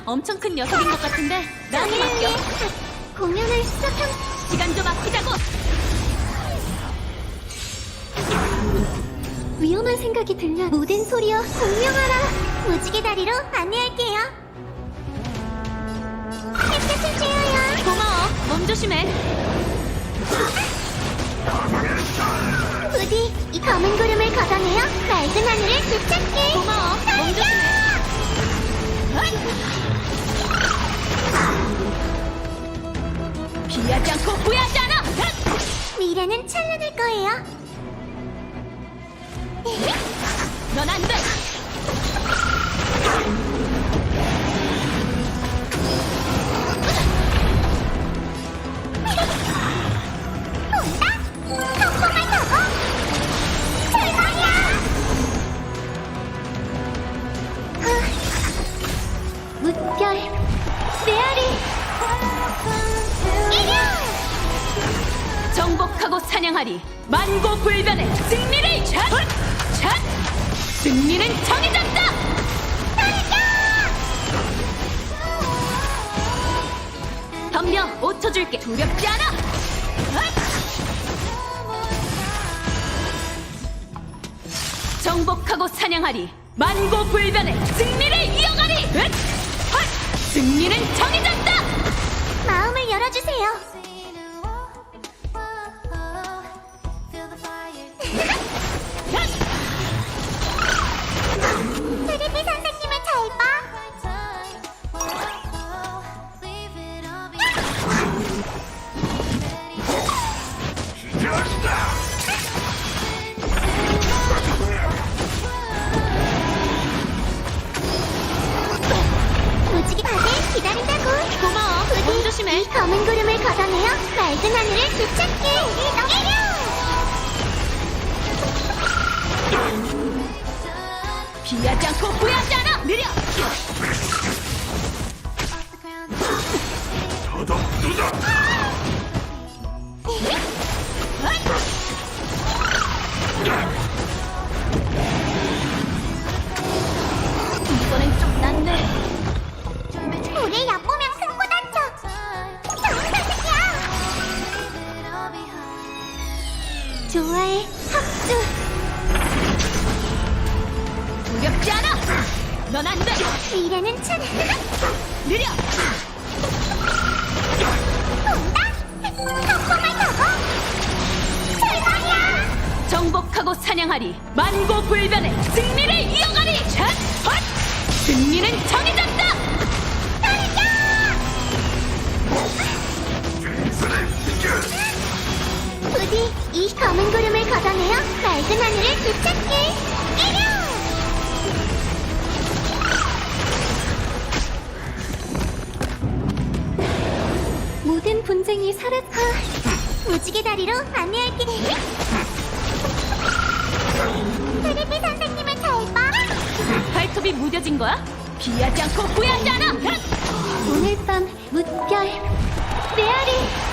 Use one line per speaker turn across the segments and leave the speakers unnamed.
엄청 큰 녀석인 것 같은데 나한테 맡겨.
공연을 시작한
시간 좀 아끼자고.
위험한 생각이 들려. 모든 소리여 공명하라. 무지개 다리로 안내할게요. 햇볕을 쬐어요.
고마워. 몸 조심해.
부디 이 검은 구름을 걷어내어 맑은 하늘을 되찾게.
고마워. 몸 조심해. 피하지 않고 후회하지 않아.
미래는 찬란할 거예요.
넌 안 돼.
온다. 성공을 타고 출발이야. 무별 메아리 이겨.
정복하고 사냥하리. 만고불변의 승리를 찬! 찬! 승리는 정해졌다! 덤벼 5초 줄게. 두렵지 않아. 정복하고 사냥하리. 만고불변의 승리를 이어가리. 승리는 정해졌다.
마음을 열어주세요. 트리피 선생님을 잘 봐. 무지개 다들 기다린다고.
고마워. 몸 조심해.
이 검은 구름을 걷어내어 맑은 하늘을 되찾게. 이겨.
피하지 않고 후회하지 않아. 느려. 이번엔 좀 낫네.
우리 얕보면 승부 다쳐. 좋은 소식이야. 좋아해 합주.
두렵지 않아. 넌 안 돼.
미래는 찬.
느려.
온다. 성공을 타고 출발이야.
정복하고 사냥하리. 만고불변의 승리를 이어가리. 샷! 헛! 승리는 정해졌다.
부디 이 검은 구름을 걷어내어 맑은 하늘을 되찾게. 이겨. 모든 분쟁이 사라져. 무지개 다리로 안내할게. 트리피 선생님을 잘 봐.
발톱이 무뎌진 거야? 피하지 않고 후회하지 않아.
오늘 밤 무별 메아리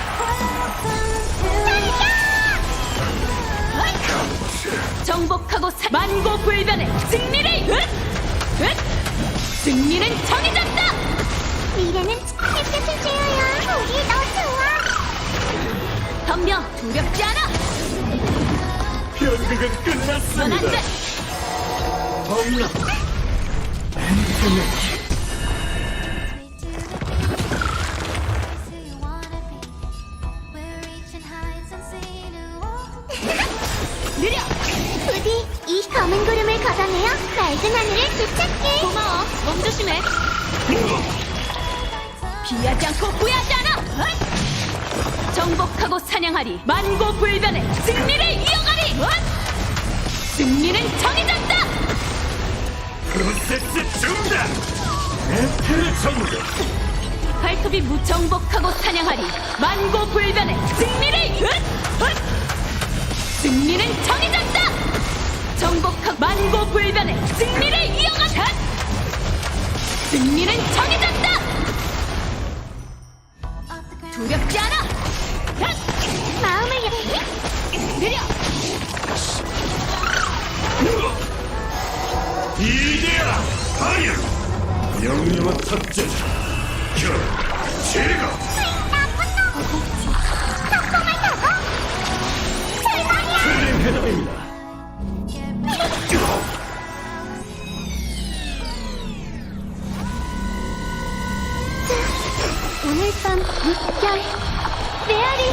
정복하고 만고불변의 승리를. 승리는 정해졌다.
미래는 햇볕을 쬐어요. 우리 너 좋아.
덤벼. 두렵지 않아.
연극은
넌 안
끝났습니다.
돼.
엄나
느려.
부디 이 검은 구름을 걷어내어 맑은 하늘을 되찾게.
고마워. 몸 조심해. 피하지 않고 후회하지 않아. 정복하고 사냥하리. 만고불변의 승리를 이어가리. 승리는 정해졌다.
프로세스 중단. 에테르 정글.
발톱이 무정복하고 사냥하리. 만고불변의 승리를. 승리는 정해졌다. 정복하고 만고불변의 승리를 이어가. 승리는 정해졌다. 두렵지 않아.
마음을 열.
느려.
이데아 파이어. 명령한 탑재. 제가 틀린 해답입니다.
오늘 밤 물결 메아리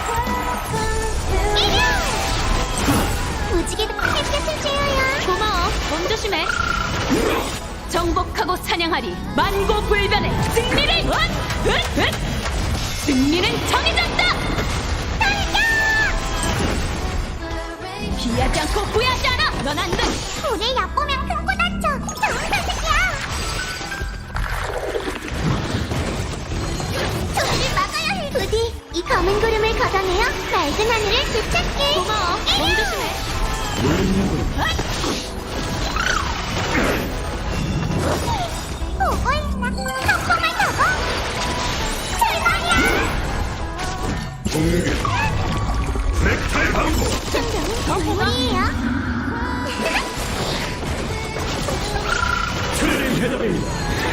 무지개도 햇볕을 쬐어요.
고마워. 몸 조심해. 정복하고 사냥하리. 만고불변의 승리를. 승리는 정해졌다. 피하지 않고 후회하지 않아. 넌 안 돼.
우리 얕보면 큰코 다쳐. 좋은 선택이야. 저를 막아야 해. 부디 이 검은 구름을 걷어내어 맑은 하늘을 되찾게.
고마워. 몸 조심해.
보고 있나? 성공을 타고 출발이야.
공격. 넥타이 방고.
우리예요.
틀린 해답입니다.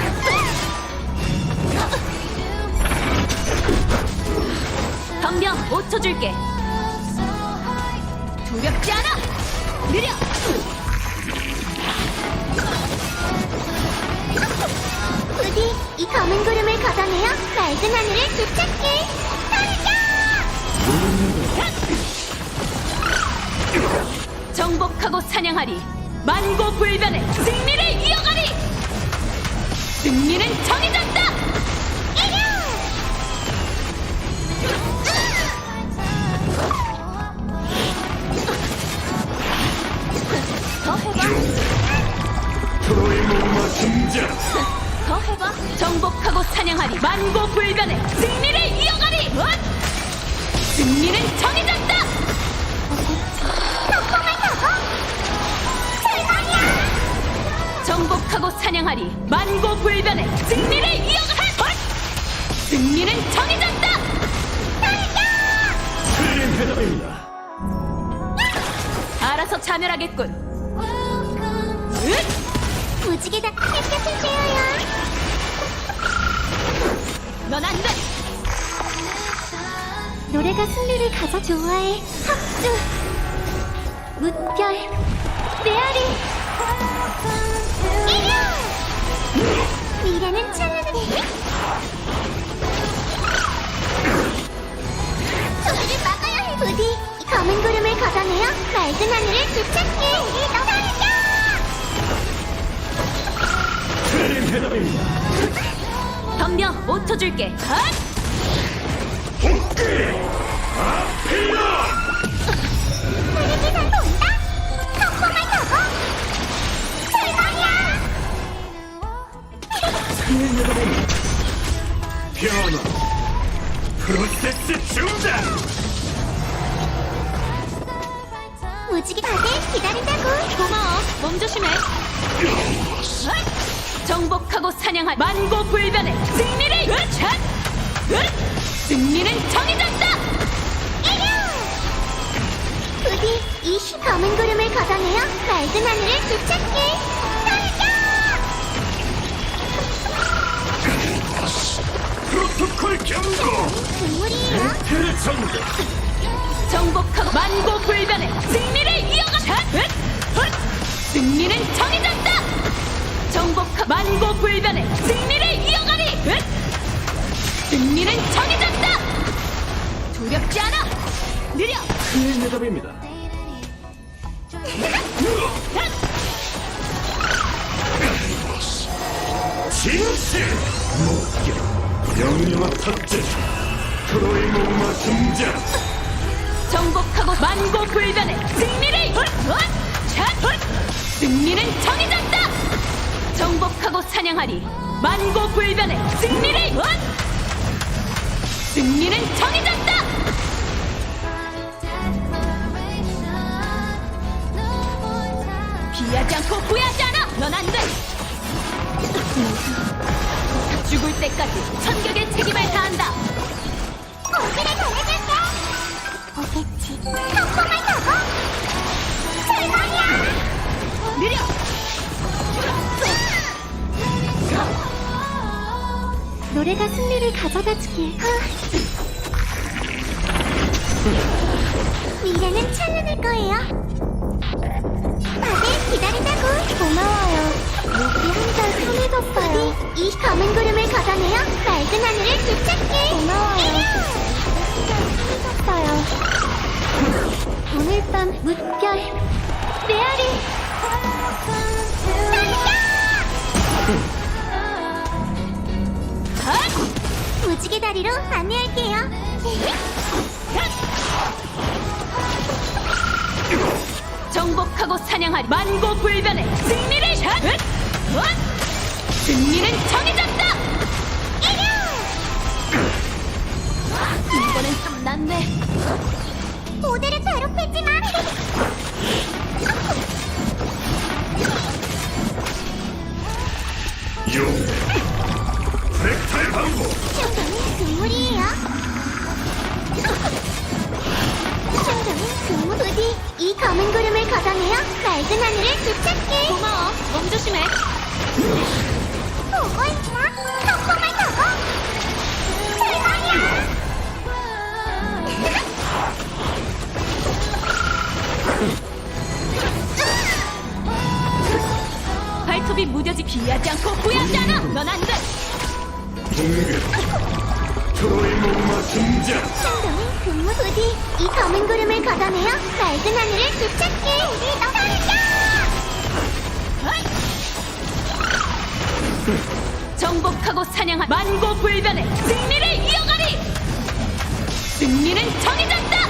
덤벼. 5초 줄게. 두렵지 않아. 느려.
부디 이 검은 구름을 걷어내어 맑은 하늘을 되찾게.
정복하고 사냥하리. 만고불변의 승리를 이어가리. 승리는 정해졌다. 더 해봐.
트로이 목마 등장.
더 해봐. 정복하고 사냥하리. 만고불변의 승리를 이어가리. 승리는 정해졌다. 정복하고 사냥하리. 만고불변의 승리를 이어가리. 승리는 정해졌다.
틀린 해답입니다.
알아서 자멸하겠군.
무지개다 햇볕을 쬐어요.
넌 안 돼.
노래가 승리를 가장 좋아해. 합주 무별 메아리 미래는 찬란해. 저들을 막아야 해. 부디 이 검은 구름을 걷어내어 맑은 하늘을 되찾게. 달려.
틀린 해답입니다.
덤벼. 5초 줄게.
아필라.
우리 기상 본다. 성공을 타고 출발이야.
틀린 해답입니다. 변화. 프로세스 중단.
무지개 다들 기다린다고.
고마워. 몸 조심해. 정복하고 사냥할 만고불변의 승리를. 승리는 정해졌다.
부디 이 검은 구름을 걷어내어 맑은 하늘을 되찾게.
프로토콜 경고.
동물이에요.
넥타이를 정도.
정복하고 만고불변의 승리를 이어가. 승리는 정해졌다. 정복하고 만고불변의 승리를 이어가리. 승리는 정해졌다. 두렵지 않아. 느려.
틀린 해답입니다. 진실. 목격. 명령한 탑재. 트로이 목마 등장.
정복하고 만고불변의 승리를. 승리는 정해졌다. 정복하고 사냥하리. 만고불변의 승리를. 승리는 정해졌다. 피하지 않고 후회하지 않아. 넌 안 돼. 죽을 때까지 천격의 책임을 다한다.
고기를 보내줄게. 오겠지. 성공을 타고 출발이야.
느려.
노래가 승리를 가져다 주길. 미래는 찬란할 거예요. 다들 기다린다고. 고마워요. 목이 한 달 편해졌어요. 이 검은 구름을 걷어내어 맑은 하늘을 되찾게. 고마워요. 편해졌어요. 오늘 밤 물결 메아리. 무지개 다리로 안내할게요.
정복하고 사냥하리. 만고불변의 승리를 샷! 승리는 정해졌다! 이번엔 좀 낫네.
모두를 괴롭히지 마.
용 넥타이 방고
충동은 금물이에요. 충동은 금물. 부디 이 검은 구름을 걷어내어 맑은 하늘을 되찾게.
고마워. 몸 조심해.
보고 있나? 덕분을 보고. 대박이야.
발톱이 무뎌지 피하지 않고 후회하지 않아. 넌 안 돼.
공격 트로이 목마 등장
충동은 금물. 부디 이 검은 구름을 걷어내어 맑은 하늘을 되찾게.
정복하고 사냥한 만고불변의 승리를 이어가리! 승리는 정해졌다!